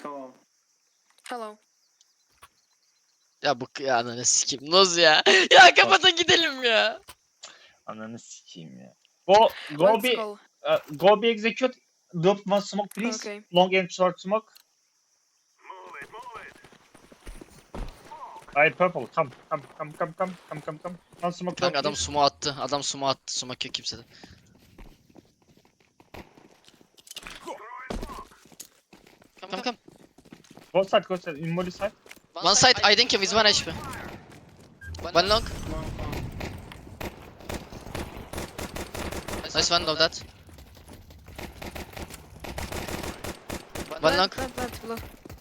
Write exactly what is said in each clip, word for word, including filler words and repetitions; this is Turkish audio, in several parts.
Hello. Hello. Ya bu ya ananı sikeyim. Noz ya. Ya kapatın gidelim ya. Ananı sikeyim ya. Go go Let's be go. uh, go be execute. Drop one smoke please. Okay. Long and short smoke. I purple. Come come come come come come come come. One smoke. Kanka long, adam please. sumo attı. Adam sumo attı. Sumo yok kimsede. Come come. Go side go side. In molly side. One side I think with one H P. One long. Long, long. Nice one of that. One long. Plant, plant, below.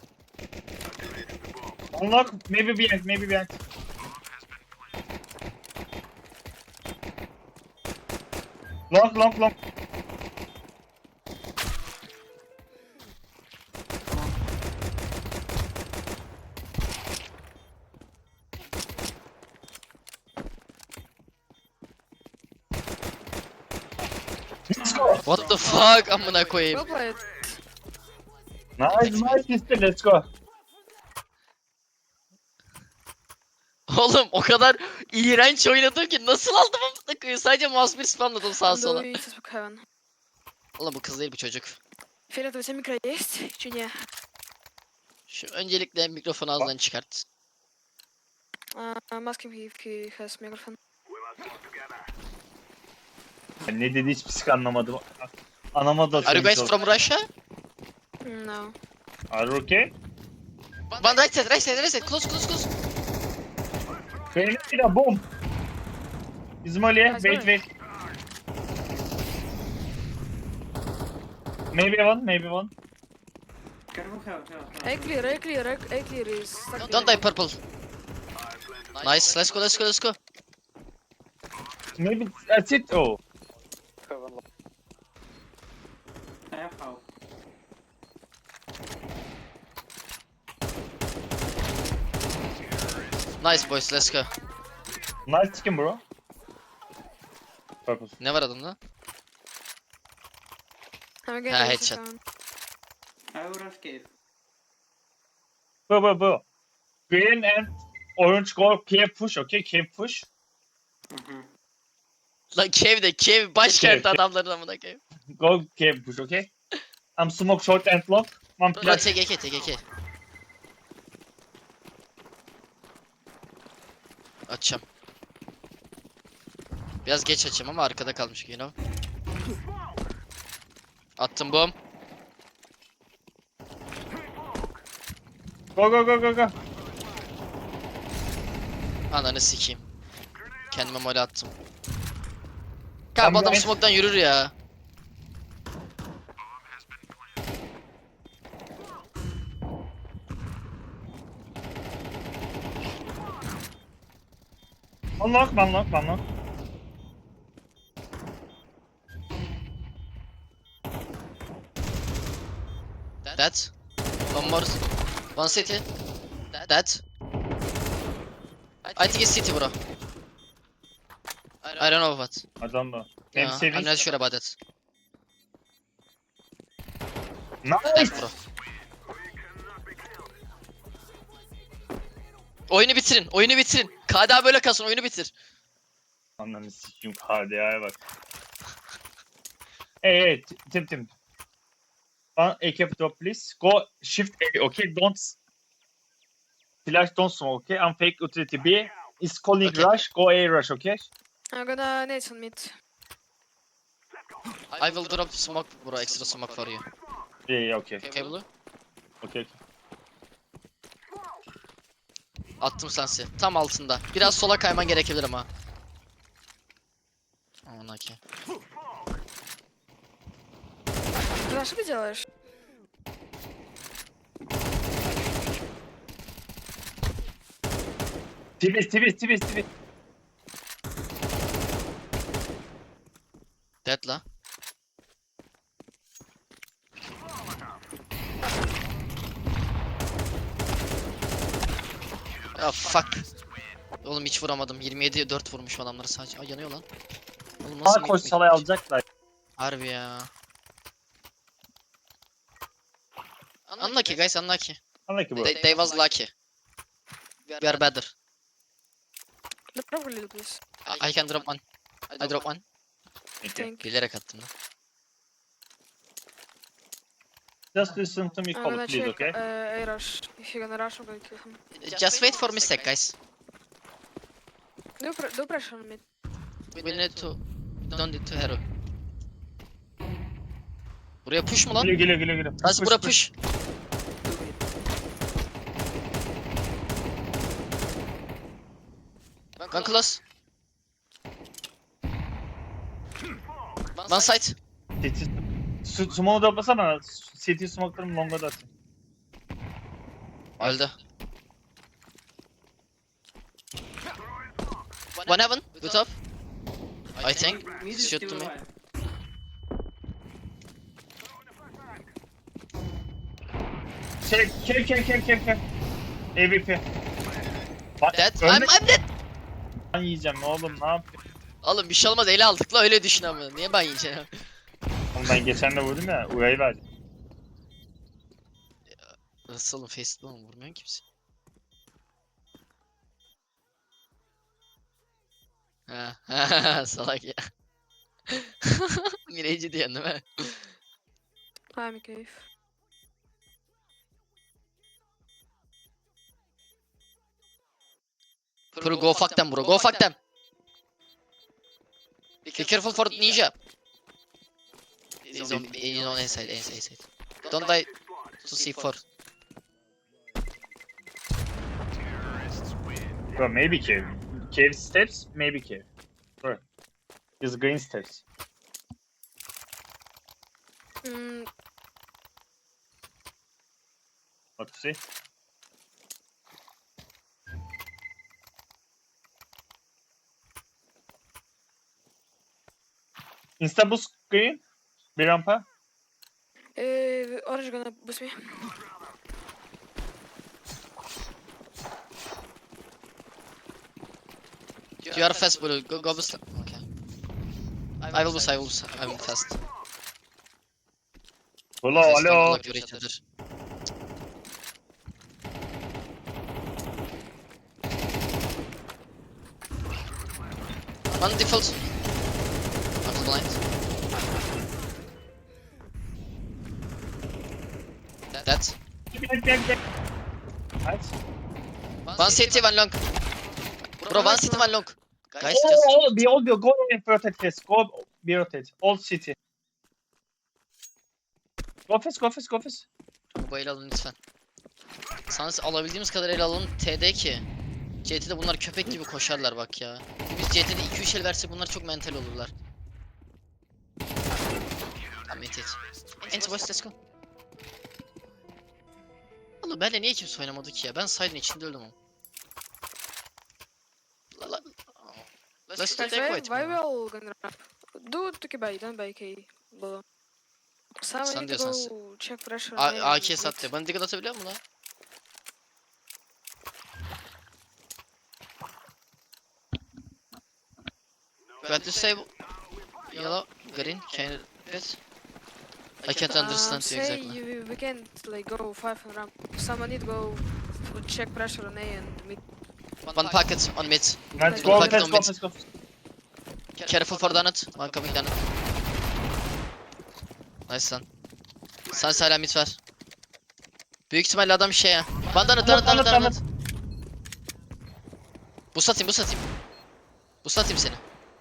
Unlock. Maybe behind. Maybe behind. Long long long. Let's go. What the fuck amına koyayım. Well played. Nice nice sister. Let's go. Oğlum o kadar iğrenç oynadım ki nasıl aldım amına koyayım. Sadece mouse bir spamladım sağa On sola. the way to heaven. Oğlum bu kız değil bu çocuk. Фиолетовый микро есть? Чи не? Şu öncelikle mikrofonu ağzından çıkart. Uh, I'm asking if he has microphone. Ben ne dedi hiç psik anlamadım. Anlamadı. Are you guys from Russia? No. Are you okay? One right side, right side, right side. Close, close, close. Benim boom. İzmaliye, wait wait. Maybe one, maybe one. Careful, hell, hell, hell. A clear, A clear, A A clear is stuck. Don't die purple. Nice, let's go, let's go, let's go. Maybe that's it. Oh. I have help. Nice boys, let's go. Nice skin bro. Purple. Ne var adamda? I'm again. Ha, with headshot. heaven. I will rush cave. Bu bu bu. Green and orange go cave push, okay? Cave push. Mm-hmm. Lan Kev'de, Kev başkent Kev, Kev. adamların amına koyayım. Go cave push, okay? I'm smoke short and long. One Lan flash. T G K, T G K. Açacağım. Biraz geç açayım ama arkada kalmış you know. Attım bom. Go go go go go. Ananı sikeyim. Kendime mole attım. Tam Kanka bu adam ben- smoke'tan yürür ya. Unlock, unlock, unlock. That. One more. One city. That. I think it's city bro. I don't know what. Adam da. Yeah, Hem seviye. I'm not sure about that. Nice. Thanks bro. Oyunu bitirin, oyunu bitirin. K D A böyle kalsın, oyunu bitir. Ananı sikeyim K D A'ya bak. Hey hey T- Tim Tim. One A K drop please. Go shift A, okay? Don't s- flash don't smoke, okay? I'm fake utility B. Is calling Okay. rush. Go A rush, okay? I'm gonna nade on mid. I will drop smoke bro, extra smoke for you. Yeah, yeah, okay. Okay blue? Okay, okay. Attım sensi. Tam altında. Biraz sola kayman gerekebilir ama. Aman okey. Ты что ты делаешь? Twist, twist, twist, twist. Dead la. Ya fuck. Oğlum hiç vuramadım. yirmi yediye dört vurmuş adamları sadece. Ay yanıyor lan. Oğlum Sağ mid- koş mid- salay alacaklar. Harbi ya. Unlucky guys, unlucky. Unlucky bro. They, they was lucky. We are better. Drop a little, please. I, I can drop one. I drop one. Thank you. Thank you. Bilerek attım lan. Just listen to me I'm call gonna it, please, check okay? uh, A rush. If you're gonna rush, I'm gonna kill him. Just wait for mistake guys. Do, pr do pressure on me. We need to... Don't need to hero. Buraya push mu lan? Geliyor geliyor geliyor geliyor. Nasıl bura push? One close. One side. City. Su- Smoke'u da basana. City smoke'larımı long'a da atayım. Öldü. One heaven. Good top. I think. Mid Shoot still to me. alive. Şey, kev kev kev kev kev. M V P. Bak, Dead. I'm, ölme- I'm dead. Ben yiyeceğim oğlum, ne yapayım? Oğlum bir şey olmaz, ele aldık la, öyle düşün ama. Niye ben yiyeceğim? Oğlum ben geçen de vurdum ya, Uya'yı verdim. Nasıl oğlum, face'de oğlum, vurmuyorsun kimse. Ha ha salak ya. Mireci diyen değil mi? I'm a cave. Bro, go fuck them bro, go fuck them. Be careful for ninja. He's on, he's on A side, A side, A side. Don't die to C four. Bro, maybe cave. Cave steps, maybe cave. Bro. Is green steps. Mm, What to see? Insta boost green. Bir rampa. uh, orange gonna boost me. You are fast bro, go, go boost. Okay. I will boost, I will boost, I will fast. Hello, Just don't hello. block your each other. One default. I'm blind. That. Gel gel gel. Nice. One city, one long. Bro, one city, one long. Guys, Oh, just oh, be all be go and rotate fast. Go be rotate. All city. Go fast, go fast, go fast. bu ele alın lütfen. Sans alabildiğimiz kadar ele alalım. T D ki. C T'de bunlar köpek gibi koşarlar bak ya. Biz C T'de iki üç el versek bunlar çok mental olurlar. Tamam, it it. Ent boys, let's go. Oğlum benle niye kimse oynamadı ki ya? Ben side'ın içinde öldüm ama. La- la- Let's do Guys, take why, white. why we all gonna ramp? Do it to buy, don't buy K. Below. Sam, we Sen need to diyorsan go check pressure. on A A A and K mid. sattı. Bana dikkat atabiliyor musun lan? Got to save yellow, green, can you repeat? I can't Um, understand you say exactly. you, we can't like go five and ramp. Someone need to go f- check pressure on A and mid. One pocket on mid. Let's Go go back fast, to go mid. fast, go fast. Careful for donut. One coming donut. Nice lan. Sen hala mid var. Büyük ihtimalle adam şey ya. One donut, donut, donut, Donut, donut. Bu satayım, bu satayım. Bu satayım seni.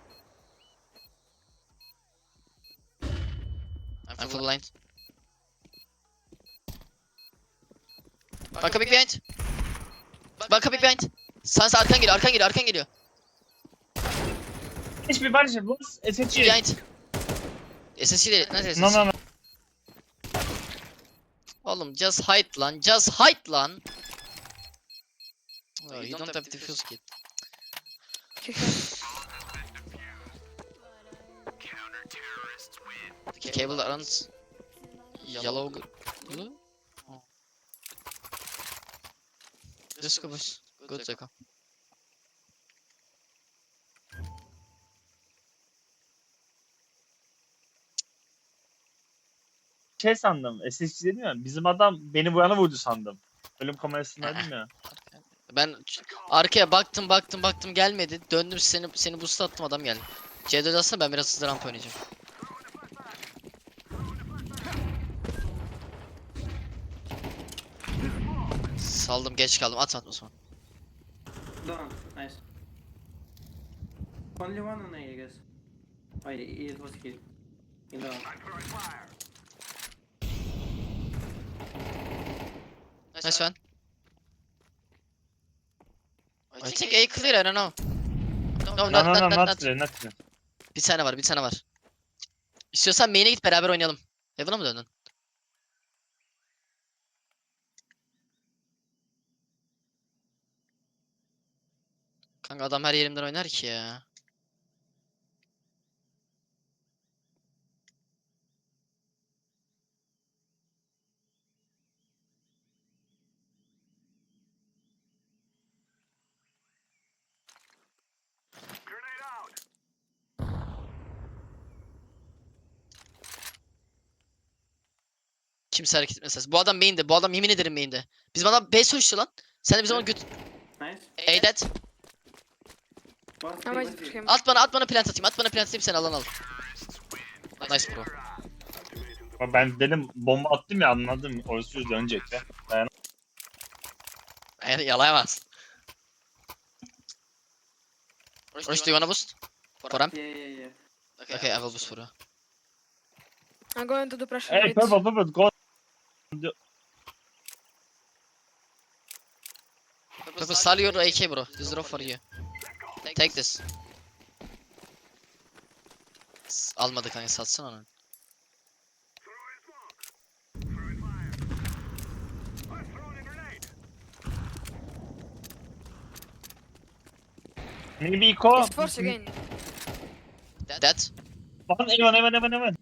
I'm full blind. Banka big behind. Banka big behind. Sans arkan geliyor, arkan geliyor, arkan geliyor. Hiçbir barış yok. S S G. Behind. S S C değil, ne S S C? No, no, no. Oğlum just hide lan, just hide lan. Oh, you don't have defuse kit. The cable that runs yellow g- blue. Oh. Let's go boys. Good Zeko. şey sandım. S S G dedim ya. Bizim adam beni bu yana vurdu sandım. Ölüm kamerasındaydım ya. Ben ç- arkaya baktım baktım baktım gelmedi. Döndüm seni seni boost attım adam geldi. C dört aslında ben biraz hızlı rampa oynayacağım. Saldım geç kaldım at atma sonra. Down. Nice. Only one on A, I guess. Oh, it was killed. In down. Nice one. I think A clear I don't know. No, No not, no no not, not, not not. clear not clear. Bir tane var bir tane var. İstiyorsan main'e git beraber oynayalım. Heaven'a mı döndün? Kanka adam her yerimden oynar ki ya. Kimse hareket etmez. Bu adam main'de. Bu adam yemin ederim main'de. Bizim adam B sonuçtu lan. Sen de bizim onu göt... Nice. A dead. One I three, might one push three. him. At bana at bana plant atayım. At bana plant atayım sen alan al. Nice bro. Ama ben dedim bomba attım ya anladım. Orası yüz dönecek ya. Dayan. Yani yalayamazsın. Roş do you wanna boost? For him? Yeah, yeah, yeah. Okay, I will boost for you. I'm going to do pressure Hey mid. purple purple go. Purple sell your A K bro. This is drop for you. Take this. S- Almadı kanka satsana onu. Maybe Eco. It's force again. Dead. One Evan Evan Evan Evan.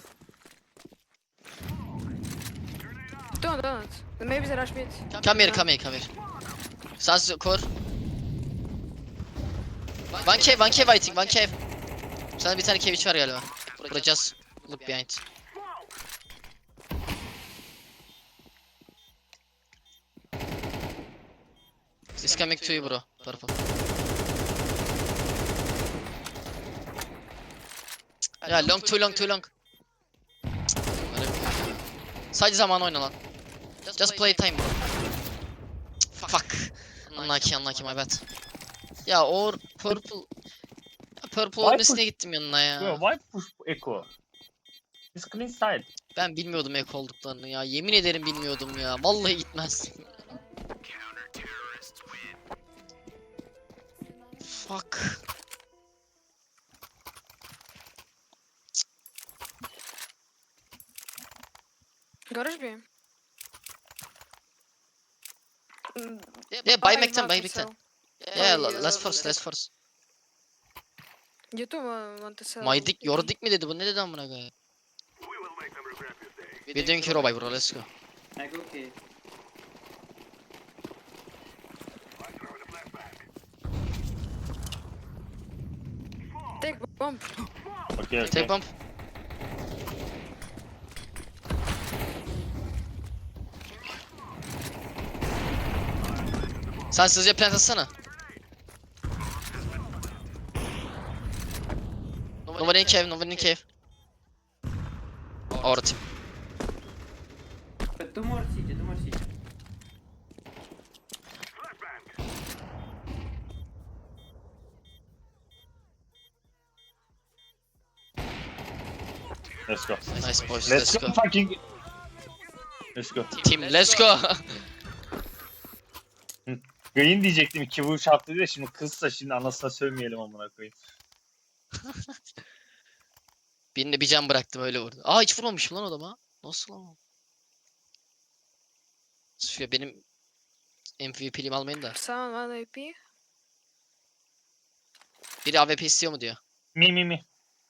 Don't, don't. Maybe they rush mid. Come here, come here, come here. Sans core. One cave, one cave I think, one cave. Sana bir tane cave iç var galiba. Bro just look behind. It's coming to you bro, purple. Ya long too long too long. Sadece zaman oyna lan. Just play time bro. Fuck. Unlucky unlucky my bad. Ya or purple. Ya purple Why ölmesine push- gittim yanına ya. Bro, why push Eco? It's clean side. Ben bilmiyordum ek olduklarını ya. Yemin ederim bilmiyordum ya. Vallahi gitmez. Fuck. Garage B. Mm, Yeah, buy Mac'ten, not buy for Mac'ten. sale. Yeah, Oh, la- yeah, let's force, let's- let's force. You too uh, want to sell. My dick, your B? dick mi dedi bu? Ne dedi amına koyayım? We're doing hero buy bro, let's go. I go K. Take bomb. Okay okay. Take bump. Sen sizce plant atsana. Nobody in cave, nobody in cave. Our team. But two more city, two more city. Let's go. Nice boys, Let's, let's go, go. fucking. Let's go. Team, let's go. Green diyecektim iki vuruş attı diye şimdi kızsa şimdi anasına sövmeyelim amına koyayım. Birine bir can bıraktım öyle vurdu. Aa hiç vurmamışım lan adama. Nasıl lan? Şuraya benim M V P'liğimi almayın da. Someone one A P. Biri A W P istiyor mu diyor. Me me me.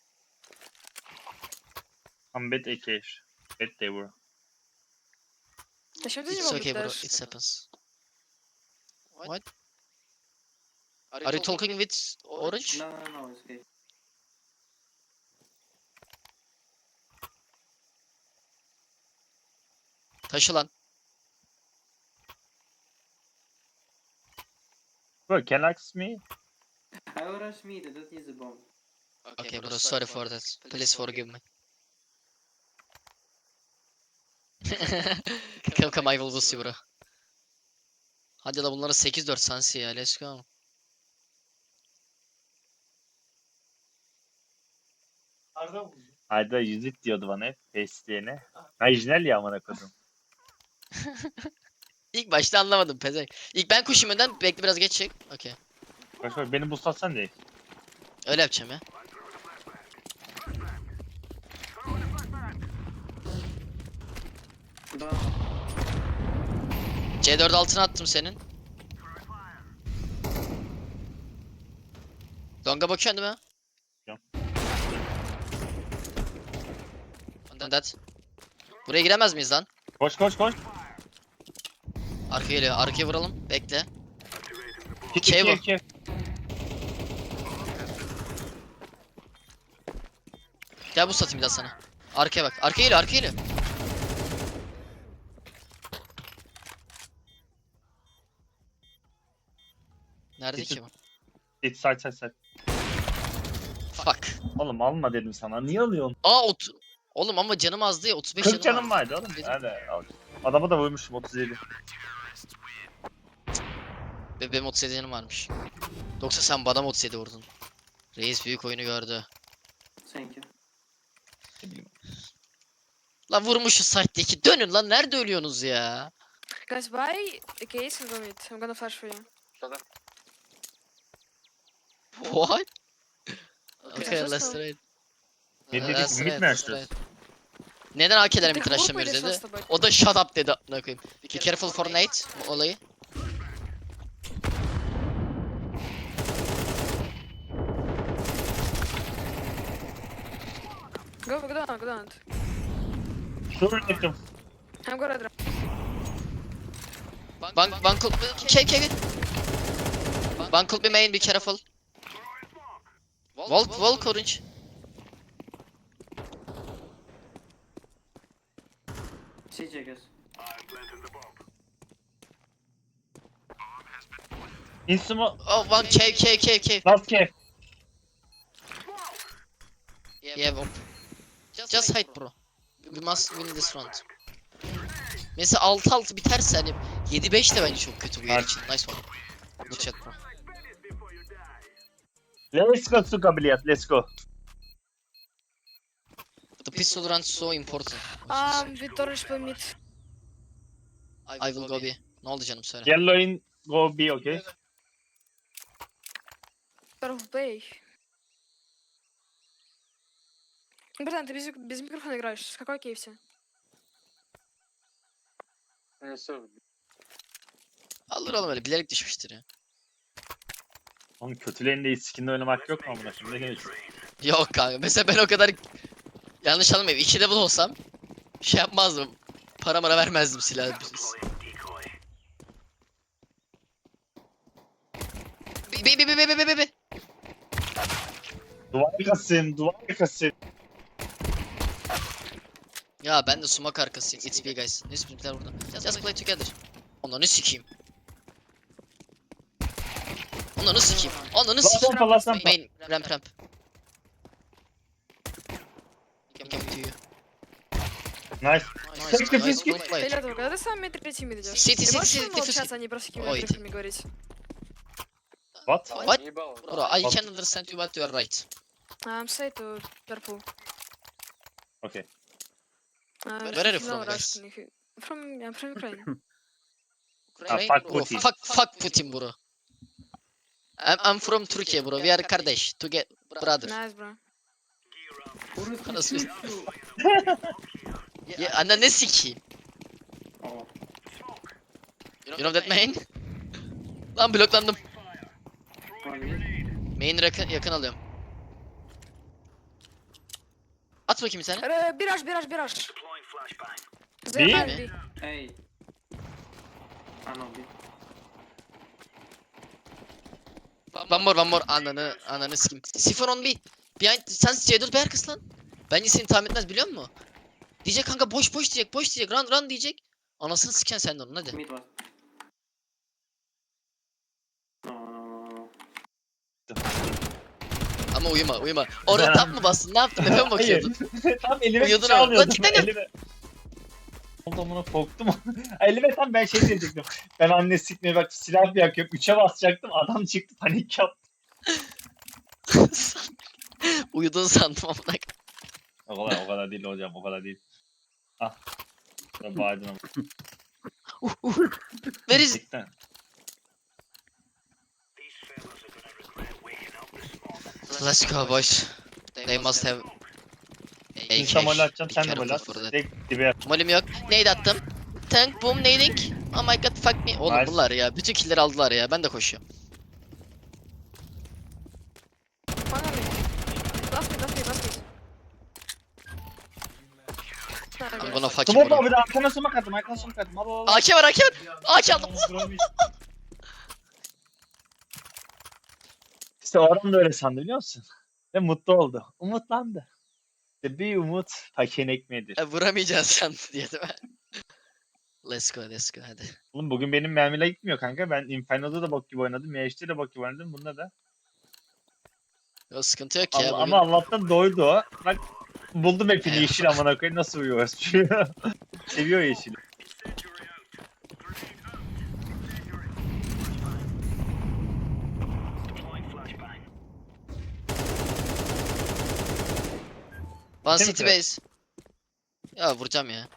I'm bad A K. Bad they were. Да что ты It's не okay bro, можешь? it happens. What? Are you talking with Orange? No, no, no, it's okay. Take bomb. Taşı lan. Bro, can you ask me? I will rush me, they don't use the bomb. Okay bro, sorry for that. Please forgive me. Come come I will boost you bro. Hadi la bunlara sekiz dört sansi ya. Let's go. Ayda yüzük diyordu bana hep. Pace diyene. Orijinal ya amına koydum. İlk başta anlamadım pezek. İlk ben koşayım önden, bekle biraz geç çek. Okey. Bak bak beni boostlatsan değil. Öyle yapacağım ya. Bomb. C dört altına attım senin. Longa bakıyorsun değil mi? Yok. Ondan that. Buraya giremez miyiz lan? Koş koş koş. Arkaya geliyor. Arkaya vuralım. Bekle. Kit Şey iki bu. iki. Gel bu satayım bir daha sana. Arkaya bak. Arkaya geliyor. Arkaya geliyor. Nerede Git- ki bu? Git side side side. Fuck. Oğlum alma dedim sana. Niye alıyorsun? Aa ot. Oğlum ama canım azdı ya. otuz beş kırk canım canım var. vardı oğlum. Dedim. Hadi al. Adama da vurmuşum otuz yedi. Be benim otuz yedi canım varmış. Yoksa sen bana mı otuz yedi vurdun? Reis büyük oyunu gördü. Thank you. Ne bileyim. Lan vurmuşuz site'deki. Dönün lan, nerede ölüyorsunuz ya? Guys, buy the case and go mid. I'm gonna flash for you. What? Okay, Okay, let's let's go. trade. Ne dedik? Let's Mid trade, mi let's açıyoruz? trade. Neden A K'lerimi They hope tıraşlamıyoruz with the dedi. first about- O da shut up dedi amına koyayım. Be careful for Nate olayı. Go, go down, go down. Dur yakın. I'm gonna drop. Bank bank K K Bank could be main, be careful. Volk Volk orange. C J guys. Insumo. Oh one K K K K. Last cave. Yeah, Volk. Just hide bro. We must win this round. Mesela altı altı biterse hani yedi beş de bence çok kötü bu yer için. Nice one. Good shot bro. Let's go Suka Biliyat. Let's go. The pistol run so important. Um, with orange play mid. I will go B. Ne oldu canım söyle. Yellow in go B, okay? Здоров, плей. Братан, ты без, без микрофона играешь. С какой кейсе? Alır oğlum, öyle bilerek düşmüştür ya. Oğlum kötülerinde skinle oynamak yok mu amına şimdi? Ne geçiyor? Yok kanka, mesela ben o kadar yanlış anlamayayım. iki level olsam şey yapmazdım. Para mara vermezdim silah. Bi bi bi bi bi bi bi bi. Duvar kasın, duvar kasın. Ya ben de sumak arkasıyım. It's B guys. Neyse bizimkiler burada. Just play together. Onları sikeyim. Onları sikeyim. Onları Last sikeyim. rampa, last rampa. Main ramp ramp. Come to you. Nice. Nice, Take the nice, biscuit. good play. Фиолетово, когда ты сам мид третий мид идешь? Сити, Ты сити, можешь сити, молчаться, сити. а не просто какими Ой, ты. трюками говорить? What? What? Bro, I can understand you but you are right. Um, say to purple. Okay. Uh, Where are you if from, know guys? Russian, if you- From, I'm from Ukraine. Ah, Ukraine, fuck bro. Putin. Fuck, fuck Putin bro. I'm, I'm from Turkey bro. We are kardeş. Together, brother. Nice, bro. Anasını. Ya anne ne sikeyim? Oh. You know that main? Lan bloklandım. One mid. Main yakın, yakın alıyorum. At bakayım bir tane. Э, Бираж, бираж, бираж. B? Заебали B. Hey. Ah no, B. One more, one more. Ananı, ananı sikeyim. Sifon on B. Behind, sen C dört B arkası lan. Bence seni tahmin etmez biliyor musun? Diyecek kanka boş boş diyecek, boş diyecek, run run diyecek. Anasını siken sen de onun hadi. Mid was. No, no, no, no. Ama uyuma uyuma. Orada tap mı bastın? Ne yaptın? Efe mi bakıyordun? Hayır. Tam elime Uyudun bir şey ama. alıyordum. Lan cidden yap- Elime... Ondan korktum. elime tam ben şey diyecektim. Ben anne sikmeye bak silah bir yakıyorum. Üçe basacaktım. Adam çıktı panik yaptı. Uyudun sandım amına. O kadar, o kadar değil hocam. O kadar değil. Ah. Ya bağırdın ama. Where is Gerçekten. Let's go boys. They must have İnsan mole A K. atacağım. Be Sen de careful mole at. for that. Direkt dibe yap. Molim yok. Nade attım. Tank boom nading. Oh my god fuck me. Oğlum Nice. bunlar ya. Bütün killleri aldılar ya. Ben de koşuyorum. One on me. Last mid, last mid, last mid. I'm gonna fucking Smoke vurayım. abi de arkana smoke attım. Arkana smoke attım. Al al al. A K var A K var. A K aldım. İşte o adam da öyle sandı biliyor musun? Ve mutlu oldu. Umutlandı. İşte bir umut pakein ekmeğidir. E, vuramayacaksın sen diye değil mi? Let's go let's go hadi. Oğlum bugün benim mermiler gitmiyor kanka. Ben Inferno'da da bok gibi oynadım. M H'de de bok gibi oynadım. Bunda da. Yo, sıkıntı yok ya Ama, bugün. ama Allah'tan doydu o. Bak buldum hepini Evet. yeşil amına koyayım. Nasıl uyuyoruz? Seviyor yeşili. One Değil mi city Fred? base. Ya vuracağım ya.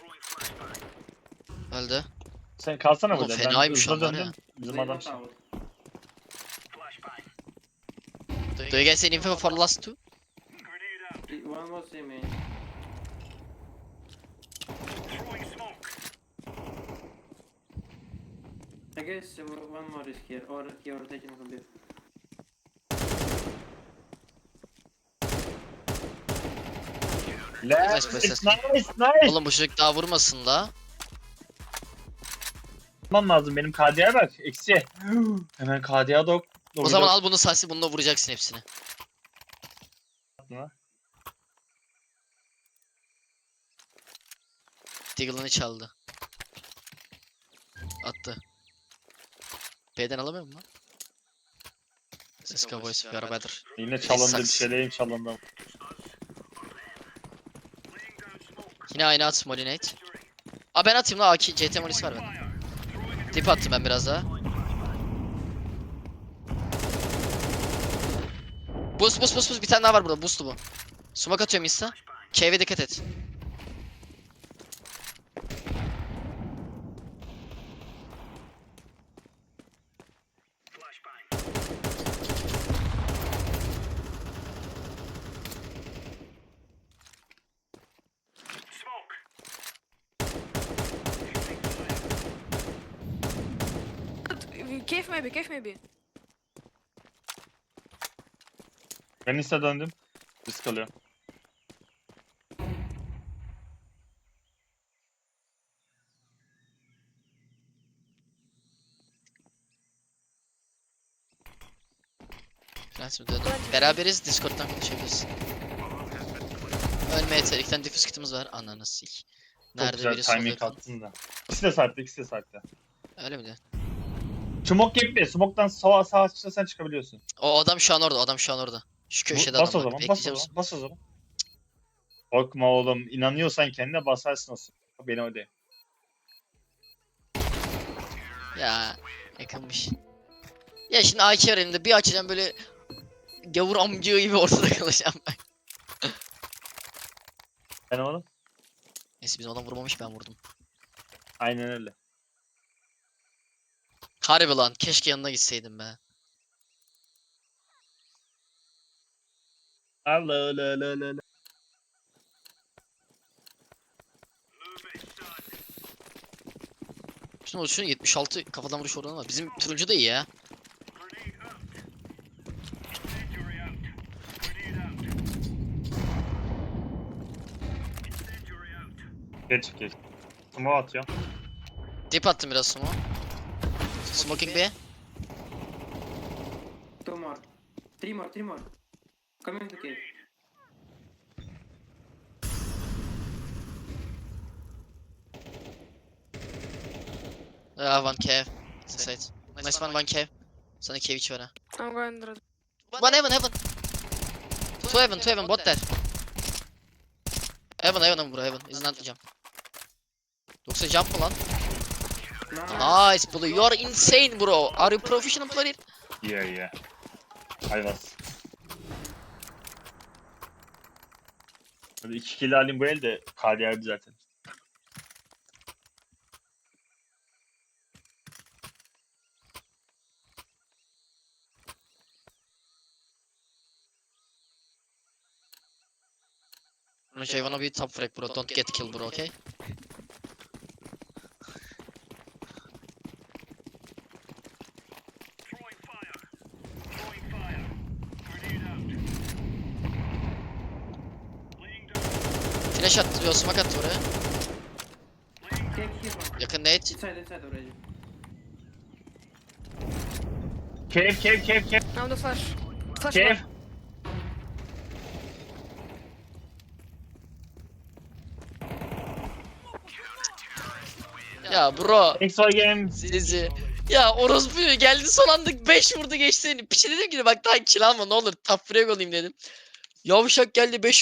Öldü. Sen kalsana Oğlum burada. fenaymış ben hızlı onlar ya. döndüm. Bizim They adam was out. Do you guys see info for last two? One was C main. I guess uh, one more is here, or he or taking from B. Let's Nice, nice nice. nice. Oğlum bu çocuk daha vurmasın la. Yapmam lazım. Benim K D'ye bak. Eksi. Hemen K D'ye dok. O zaman al bunu Sasi bununla vuracaksın hepsini. Deagle'ını çaldı. Attı. B'den alamıyor mu lan? Let's go boys, we are better. Yine çalındı bir sucks. şeylerim çalındı. Yine aynı at Molinate. Aa ben atayım la A K, C T Molisi var bende. Dip attım ben biraz daha. Boost boost boost boost bir tane daha var burada boost'u bu. Smoke atıyorum insta. Cave'e dikkat et. Cave maybe, cave maybe. Ben ise döndüm. Risk alıyorum. Prens mi döndüm? Beraberiz Discord'dan konuşabiliriz. Ölme yeter. İki tane diffuse kitimiz var. Ananı sik. Çok Nerede güzel biri solda timing yakın. attın da. İkisi de saatte, ikisi de saatte. Öyle mi diyor? Smoke gibi. Smoke'dan sağa sağa çıksa sen çıkabiliyorsun. O adam şu an orada. O adam şu an orada. Şu Bu- köşede bas adam o bak. zaman, bas o Bekleyeceğim. zaman, bas o zaman. Korkma oğlum. İnanıyorsan kendine basarsın o smoke. Beni öyle. Ya yakınmış. Ya şimdi A K var elimde. Bir açacağım böyle gavur amcığı gibi ortada kalacağım ben. Ben oğlum. Neyse bizim adam vurmamış ben vurdum. Aynen öyle. Harbi lan keşke yanına gitseydim be. Allah Allah Allah Allah. Şunu şunu yetmiş altı kafadan vuruş oranı var. Bizim turuncu da iyi ya. Geç geç. Smoke atıyorum. Dip attım biraz smoke. Smoking B. Two more. Three more, three more. Coming to cave. Yeah, one cave. Inside. Nice one, one cave. Sana cave içi var ha. I'm going under. One heaven, heaven. Two heaven, two heaven, bot there. Heaven, heaven, heaven bro, heaven. İzin atlayacağım. Yoksa jump mı lan? Nice bro, you are insane bro. Are you professional player? Yeah, yeah. I was. Hadi iki kill alayım bu el de kariyerdi zaten. Şey wanna be top frag bro, don't get killed bro, okay? Flash attı, yo smoke attı oraya. Cave here one. Yakın nade. Inside inside already. Cave, cave, cave, cave, Now the flash. Flash. cave. one. Ya bro. Thanks for game. Sizi. Ya orospu geldi son anda beş vurdu geçti. Piçe dedim ki bak daha kill alma ne olur top frag olayım dedim. Yavşak geldi beş